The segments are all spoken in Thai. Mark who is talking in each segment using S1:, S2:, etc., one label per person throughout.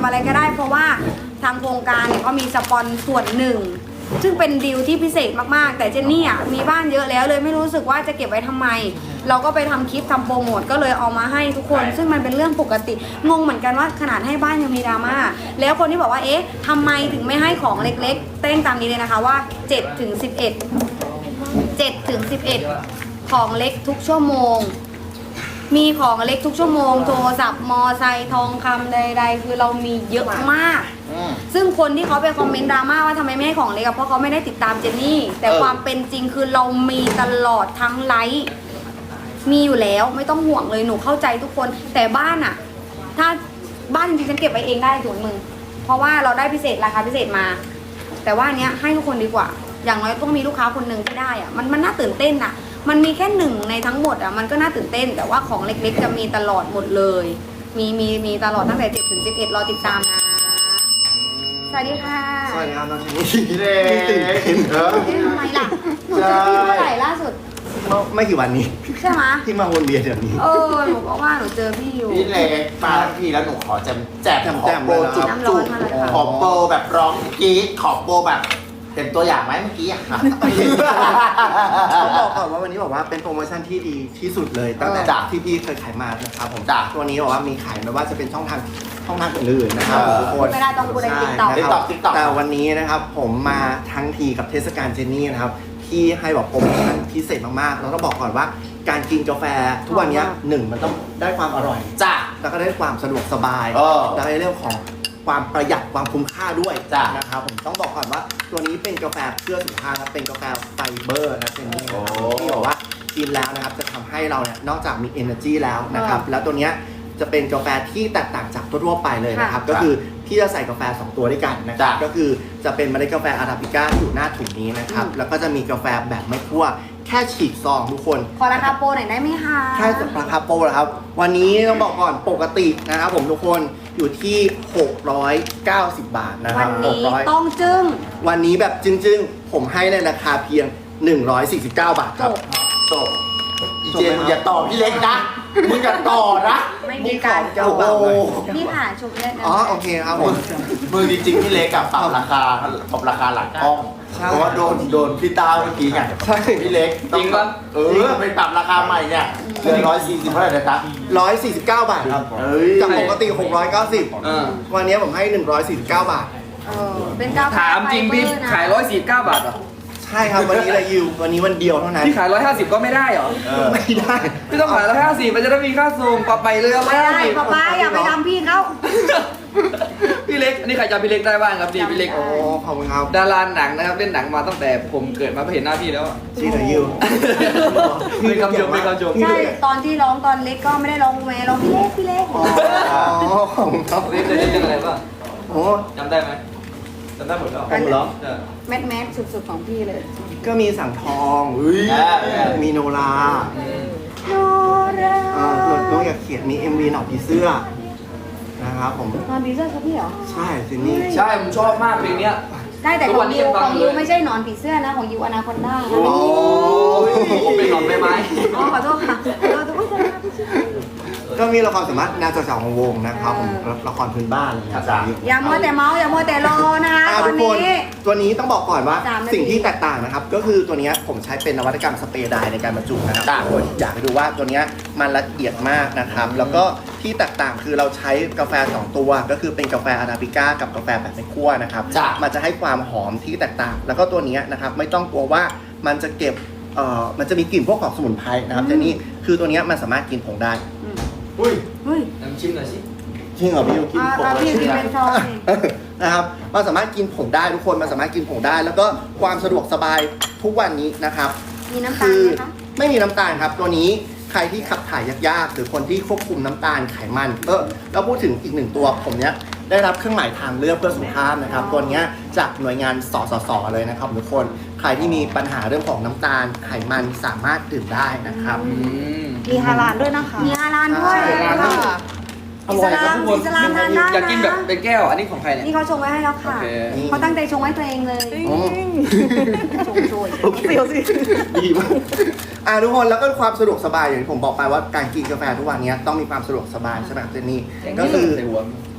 S1: อะไรก็ได้เพราะว่าทางโครงการเนี่ยเขามีสปอนส่วนหนึ่งซึ่งเป็นดีลที่พิเศษมากๆแต่เจนนี่อ่ะมีบ้านเยอะแล้วเลยไม่รู้สึกว่าจะเก็บไว้ทำไมเราก็ไปทำคลิปทำโปรโมทก็เลยเอามาให้ทุกคนซึ่งมันเป็นเรื่องปกติงงเหมือนกันว่าขนาดให้บ้านยังมีดราม่าแล้วคนที่บอกว่าเอ๊ะทำไมถึงไม่ให้ของเล็กๆเต้นตามนี้เลยนะคะว่า7 ถึง 11 7 ถึง 11ของเล็กทุกชั่วโมงมีของเล็กทุกชั่วโมงโทรศัพท์มอไซค์ทองคำใดๆคือเรามีเยอะมากซึ่งคนที่เขาไปคอมเมนต์ดราม่าว่าทำไมไม่ให้ของเล็กเพราะเขาไม่ได้ติดตามเจนนี่แต่ความเป็นจริงคือเรามีตลอดทั้งไลฟ์มีอยู่แล้วไม่ต้องห่วงเลยหนูเข้าใจทุกคนแต่บ้านอะถ้าบ้านจริงๆฉันเก็บไว้เองได้ถุงมือเพราะว่าเราได้พิเศษราคาพิเศษมาแต่ว่าอันเนี้ยให้ทุกคนดีกว่าอย่างน้อยต้องมีลูกค้าคนหนึ่งที่ได้อะมันน่าตื่นเต้นอะมันมีแค่หนึ่งในทั้งหมดอ่ะมันก็น่าตื่นเต้นแต่ว่าของเล็กๆจะมีตลอดหมดเลยมีตลอดตั้งแต่7 ถึง 11รอติดตามนะสวัสดีค่ะ
S2: สวัสดีครับน้องเจนนี่เด็กเหรอ
S1: ทำไมล่ะหนูเจอพี่เมื่อไหร่ล่าสุด
S2: ไม่กี่วันนี้
S1: ใช่ไหม
S2: ที่มาวนเวียนแบบนี้
S1: หนูก็ว่าหนูเจอพี่อยู่
S3: พี่เล็กมาทั้งทีแล้วหนูขอแจกขอโปรจุก
S1: น้ำร้อนมาเลยค่ะ
S3: ขอโปรแบบร้องกรี๊ดขอโปรแบบเป็นตัวอย่างไหมเมื่อกี้อะค่ะ
S2: ต้องบอกก่อนว่าวันนี้บอกว่าเป็นโปรโมชั่นที่ดีที่สุดเลยตั้งแต่ที่พี่เคยขายมานะครับผม
S3: จ้ะ
S2: ตัวนี้บอกว่ามีขายไม่ว่าจะเป็นช่องทางอื่นๆนะครับทุกคน
S1: ไม่ได้ต้องพูดใน
S2: ใช่
S1: TikTok
S2: นะครับแต่วันนี้นะครับผมมาทั้งทีกับเทศกาลเจนนี่นะครับที่ให้แบบโปรโมชั่นพิเศษมากๆแล้วก็บอกก่อนว่าการกินกาแฟทุกวันนี้หนึ่งมันต้องได้ความอร่อย
S3: จ้ะ
S2: แล้วก็ได้ความสะดวกสบาย
S3: เออ
S2: แล้วก็ในเรื่องของความประหยัดความคุ้มค่าด้วย
S3: จ้ะ
S2: นะครับผมต้องบอกก่อนว่าตัวนี้เป็นกาแฟเพื่อสุขภาพครับเป็นกาแฟไฟเบอร์นะเป็นนี่นะครับที่บอกว่ากินแล้วนะครับจะทำให้เราเนี่ยนอกจากมี energy แล้วนะครับแล้วตัวเนี้ยจะเป็นกาแฟที่แตกต่างจากทั่วๆไปเลยนะครับก็คือพี่จะใส่กาแฟ2ตัวด้วยกันนะครับก็คือจะเป็นเมล็ดกาแฟอาราบิก้าอยู่หน้าถุงนี้นะครับแล้วก็จะมีกาแฟแบบไม่คั่วแค่ฉีกซองทุกคน
S1: ขอราคาโปรหน่อยได้ไหมคะ
S2: แค่ราคาโปรนะครับวันนี้ต้องบอกก่อนปกตินะครับผมทุกคนอยู่ที่ 690 บาทนะค
S1: วั
S2: รับ
S1: นนี้
S2: 600
S1: ต้องจึ้ง
S2: วันนี้แบบจึ้งๆผมให้ในราคาเพียง 149 บาทครับ
S3: จบอีเจนมึงอย่าต่อพี่เล็กนะมึงอย่าต่อนะ
S1: ไม่มีการ
S2: โอ้โห
S1: พี่ผ่าชุบเล่นนะ
S2: อ๋อโอเคครับผม
S3: มือจริงๆพี่เล็กกับปรับราคาหลังกล้อง
S2: ใช่
S3: เพราะว่าโดนพี่ต้าเมื่อกี้ไง
S2: ใช่
S3: พี่เล็ก
S4: จริงปะ
S3: ไปปรับราคาใหม่เนี่ยเหลือ140เท่าไหร่นะจ๊ะ
S2: 149 บาทครับ
S3: เฮ้ย
S2: จากปกติ 690 วันนี้ผมให้ 149 บาท
S1: เป็นกาแฟ
S4: ถามจริงพี่
S1: ไฟเบอนะ
S4: ขาย149 บาทเหรอ
S2: ใช่ครับวันนี้เลยยิววันนี้วันเดียวเท่านั้น
S4: พี่ขาย150ก็ไม่ได้เหรอ
S2: ไม่ได้
S4: พี่ต้องขาย150มันจะได้มีค่าส่งปรับไปเลยเอา
S1: ไม่ได้
S4: 150
S1: ป้าอย่าไปทำพี่เขา
S4: พี่เล็กอันนี้ใครจำพี่เล็กได้บ้างครับพี่เล็ก
S2: โอ้ขอบคุณครับ
S4: ดาราหนังนะครับเล่นหนังมาตั้งแต่ผมเกิดมาไม่เห็นหน้าพี่แล้วอะ
S2: จริงเหรอยิว
S4: เป็นคำชมเป็นคำชม
S1: ใช่ตอนที่ร้องตอนเล็กก็ไม่ได้ร้องแม่ร้องพี่เล็ก
S2: อ๋อขอบคุณครับ
S4: เล่นเคยเล่นเรื่องอะไรบ้าง
S2: โอ้
S4: จำได้ไหมจำได้หมดแล้ว
S2: ผมเหรอ
S1: แมสสุดๆของพี่เลย
S2: ก็มีสังทอง มีโนรา
S1: โนรา
S2: น้องอยากเขียนมี MV หนอกผีเสื้อนะครับผม
S1: นอนผีเสื้อครับพี่เหรอ
S2: ใช่ซินนี่
S4: ใช่ผมชอบมากเพลงเนี้ย
S1: ได้แต่
S4: ทุ
S1: ข
S4: ก
S1: อ
S4: วั
S1: ง
S4: นนี้
S1: ยู
S4: ยังฟั
S1: ข
S4: ง
S1: อง
S4: อยู่
S1: ยู
S4: เลย
S1: ไม่ใช่หนอนผีเสื้อนะของยูอนาคอนด้า
S2: โอ้
S4: เป็นหนอนใบไม้
S1: อ๋อขอโทษค่ะขอโทษค่ะ
S2: ก็มีละครสามารถแนวจากของวงนะครับผมละครพื้นบ้านอะไรอย่างเงี้ย
S1: อย่ามัวแต่เมาอย่ามัวแต่รอนะคะตอ
S2: ทุ
S1: น
S2: กคน
S1: นี้
S2: ตัวนี้ต้องบอกก่อนว่า
S1: 3 นาที
S2: สิ่งที่แตกต่างนะครับ ก็คือตัวเนี้ยผมใช้เป็นนวัตกรรมสเปรย์ไดร์ในการบรรจุนะครับทุกคนอยากให้ดูว่าตัวเนี้ยมันละเอียดมากนะครับ แล้วก็ที่แตกต่างคือเราใช้กาแฟ2ตัวก็คือเป็นกาแฟอาราบิก้ากับกาแฟแบบไม่คั่วนะครับ
S3: จ้ะ
S2: มันจะให้ความหอมที่แตกต่าง แล้วก็ตัวเนี้ยนะครับไม่ต้องกลัวว่ามันจะเก็บมันจะมีกลิ่นพวกของสมุนไพรนะครับแต่นี่คือตัวเนี้ยมันสามารถกินผงได้
S3: อุ้ย
S1: เฮ้ย
S4: น้ำชิมหน่อยสิ
S2: จริงเหรอพี่ยูกินผง
S1: พี่กินเป็นซองสิ
S2: นะครับมันสามารถกินผงได้ทุกคนมันสามารถกินผงได้ แล้วก็ความสะดวกสบายทุกวันนี้นะครับ
S1: มีน้ำตา
S2: คื
S1: ล
S2: อ
S1: ไหมคะ
S2: ไม่มีน้ำตาลครับ ตัวนี้ใครที่ขับถ่ายยากๆหรือคนที่ควบคุมน้ำตาลไขมันแล้วพูดถึงอีกหนึ่งตัวผมเนี้ยได้รับเครื่องหมายทางเลือกเพื่อสุขภาพนะครับ ตัวเนี้ยจากหน่วยงานสสสเลยนะครับทุกคนใครที่มีปัญหาเรื่องของน้ำตาลไขมันสามารถดื่มได้นะครับ
S1: มีฮาลาลด้วยนะคะ มีฮาลาลด้วย
S2: ใช่
S1: ค่ะอิสลามอิสลามทานได้
S4: อยากกินแบบ
S1: นะ
S4: เป็นแก้วอันนี้ของใครเนี่ย
S1: นี่เขาชงไว้ให้แล้วค่ะ
S4: โอเค
S1: เขาตั้งใจชงไว้ตัวเองเลย
S2: อ๋อ
S1: ชงช่วย
S2: โอเคดีมากทุกคนแล้วก็ความสะดวกสบายอย่างที่ผมบอกไปว่าการกินกาแฟทุกวันนี้ต้องมีความสะดวกสบายใช่ไหมครับเจนนี่ก็คือ
S4: ใส่หัว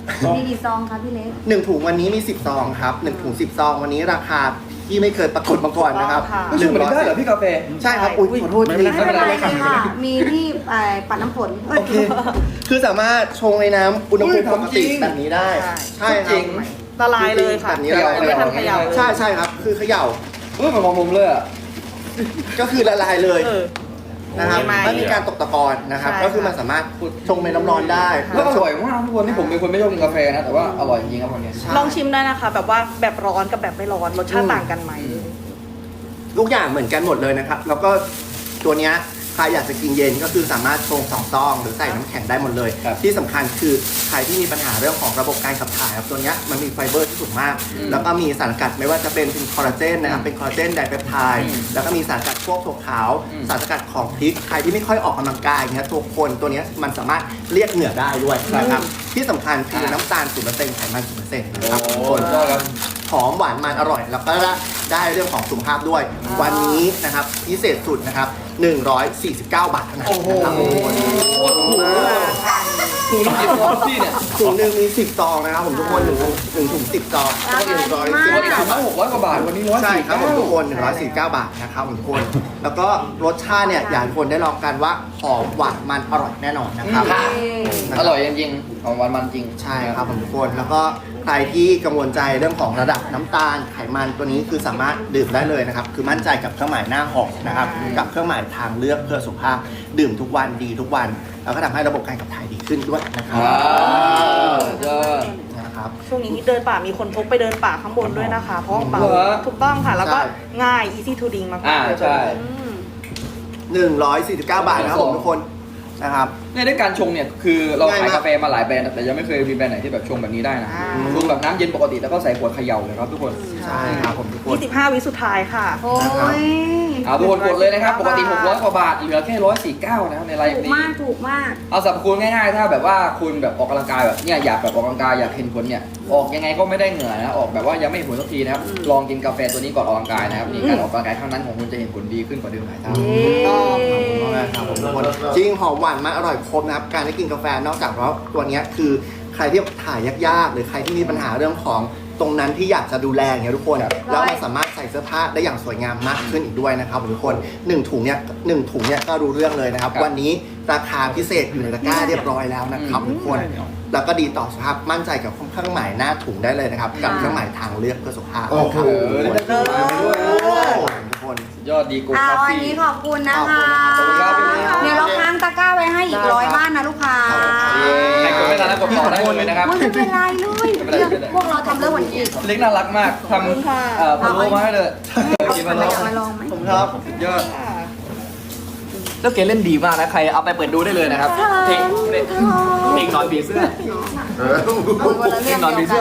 S1: มีกี่ซองคะพี่เล็ก
S2: 1 ถุงวันนี้มี 10 ซองครับ1 ถุง 10 ซองวันนี้ราคาที่ไม่เคยปรากฏมาก่อนนะครับ
S4: ไม่ใช่เหมือนได้เหรอพี่กาแฟ
S2: ใช่ครับอุ้ยขอโทษที
S1: ไม่เป็นไรค่ะ มีที่ปัดน้ำฝน
S2: โอเค คือสามารถชงในน้ำอุณหภูมิปกติแบบนี้ได้ ใช่ค
S4: จ
S2: รั
S4: ริ
S2: บ
S4: ง
S5: ละลายเลยค่ะ
S2: แบบนี้ละลาย
S5: ไม่ทันเขย่า
S2: ใช่ใช่ครับ คือเขย่า
S4: เหมือนของผมเลยอ่ะ
S2: ก็คือละลายเลย
S5: เออ
S2: นะครับ
S5: ไม่
S2: ไม่มีการตกตะกอนนะครับ
S5: ใช่
S2: ก็คือมันสามารถชงในน้ำร้อนได้
S4: แล้วอร่อยมากทุกคนที่ผมเป็นคนไม่ชอบกินกาแฟนะแต่ว่าอร่อยจริงครับวันนี้
S2: ใช่
S5: ลองชิมได้นะคะ แบบว่าแบบร้อนกับแบบไม่ร้อนรสชาติต่างกันไหม
S2: ทุกอย่างเหมือนกันหมดเลยนะครับ แล้วก็ตัวเนี้ยใครอยากจะกินเย็นก็คือสามารถชง2 ซองหรือใส่น้ำแข็งได้หมดเลย ที่สำคัญคือใครที่มีปัญหาเรื่องของระบบการขับถ่ายครับตัวเนี้ยมันมีไฟเบอร์ที่สูงมาก แล้วก็มีสารสกัดไม่ว่าจะเป็นคอลลาเจนนะครับเป็นคอลลาเจนไดเปปไทด์แล้วก็มีสารสกัดพวกถั่วขาวสารสกัดของพริกใครที่ไม่ค่อยออกกำลังกายเงี้ยตัวคนตัวเนี้ยมันสามารถเรียกเหงื่อได้ด้วยนะครับที่สำคัญคือน้ำตาล 0% ไขมัน 0% นะครับทุกคน
S4: ก็ครับ
S2: หอมหวานมันอร่อย แล้วก็ได้เรื่องของสุขภาพด้วย วันนี้นะครับพิเศษสุดนะครับ149 บาทเท่านั้น
S4: โอ้โห
S2: นะครับผม
S4: โคตรถูกเลยถูกจริงๆครับพี่เนี่ย
S2: ถุงหนึ่งมี10 ซองนะครับผมทุกคน1 ถุง 10 ซอง
S1: ราคาดีมาก
S4: ปกติถุงละ600 กว่าบาทวันนี้149
S2: ใช่ครับผมทุกคน149 บาทนะครับผมทุกคน แล้วก็รสชาติเนี่ยอยากให้ทุกคนได้ลองกันว่าหอมหวานมันอร่อยแน่นอนนะครับ
S4: อร่อยจริงๆของมันจริง
S2: ใช่ครับผมทุกคน แล้วก็ใครที่กังวลใจเรื่องของระดับน้ำตาลไขมันตัวนี้คือสามารถดื่มได้เลยนะครับ คือมั่นใจกับเครื่องหมายหน้าหอกนะครับ กับเครื่องหมายทางเลือกเพื่อสุขภาพ ดื่มทุกวันดีทุกวัน แล้วก็ทำให้ระบบการขับถ่ายดีขึ้นด้วยนะครับ
S4: ว้าวสุดยอด
S2: นะครับ
S5: ช่วงนี้เดินป่ามีคนพกไปเดินป่าข้างบนด้วยนะคะ เพราะว่าเบา
S4: เหรอ
S5: ถูกต้องค่ะ แล้วก็
S2: ใช่
S5: ง่าย easy to drink มากๆเลย
S4: ใช่
S2: 149 บาทนะครับผมทุกคนนะครับ
S4: เนี่ยด้วยการชงเนี่ยคือเรา
S2: ง่ายาก
S4: ขามยกาแฟมาหลายแบรนด์แต่ยังไม่เคยมีแบรนด์ไหนที่แบบชงแบบนี้ได้นะ
S5: อ่า
S4: ชงแบบน้ำเย็นปกติแล้วก็ใส่ขวดเขย่าเลยครับทุกคน
S2: ใช่ครับผมทุกคน
S5: 25 วิสุดท้ายค่ะ
S1: โอ้ย
S4: เอาทุกคนกดเลยนะครับปกติ600 กว่าบาทเหลือแค่149นะครับในไล
S1: ถู
S4: ฟ์
S1: ก
S4: นี้
S1: มากถูกมาก
S4: เอาสรรพคุณง่ายๆ ถ้าแบบว่าคุณแบบออกกำลังกายแบบเนี่ยอยากแบบออกกำลังกายอยากเห็นผลเนี่ยออกยังไงก็ไม่ได้เหงื่อนะออกแบบว่ายังไม่เห็นผลสักทีนะครับลองกินกาแฟตัวนี้ก่อนออกกำลังกายนะครับนี่การออกกำลังกายครั้งนั้นของคุณจะเห็นผลดีขึ้นกว่าเดิมหลายเท่า
S2: ครับผมทุกคนจริงหอมหวานมันอร่อยครบนะครับการได้กินกาแฟนอกจากว่าตัวเนี้ยคือใครที่ถ่ายยากๆหรือใครที่มีปัญหาเรื่องของตรงนั้นที่อยากจะดูแลอย่างเงี้ยทุกคนแล้วมันสามารถใส่เสื้อผ้าได้อย่างสวยงามมากขึ้นอีกด้วยนะครับทุกคน1 ถุงเนี่ยก็รู้เรื่องเลยนะครับ
S4: ครับ
S2: วันนี้ราคาพิเศษอยู่ในตะกร้าเรียบร้อยแล้วนะครับทุกคนแล้วก็ดีต่อสุขภาพมั่นใจกับเครื่องหมายหน้าถุงได้เลยนะครับกับเครื่องหมายทางเลือกเพื่อสุขภาพ
S3: โอ้โห
S2: นะครับ
S4: ได้เครื่องหมายมาด้วย
S2: ทุกคน
S4: สุดยอดดีกู
S1: เอา
S4: คา
S1: วัน
S4: ฟี่
S1: นี้ขอบคุณนะคะ
S2: ขอบคุณครับ
S1: เดี๋ยวเราค้างตะกร้าไว้ให้อีก100 บ้านนะลูกค้า
S4: ใครกดไม่ทันแล้วกดต่อได้เลยนะครับ
S1: ไม่เป็นไรเลย
S4: ไม่เป็นไร
S1: เรื่องพวกเราทำเรื่องวันอีก
S4: เล็กน่ารักมากทำพะโล้มาให้เลยกินพะโล้
S1: อยากมาลองไหม
S2: ผมครับ
S4: สุดยอดแล้วเกเล่นดีมากนะใครเอาไปเปิดดูได้เลยนะครับเพลงนอนผีเสื้อ
S3: เออ
S1: เอาคนละเรื่อง
S4: นอนผี
S1: เดียว
S4: เสื้
S1: กั
S4: อ
S1: น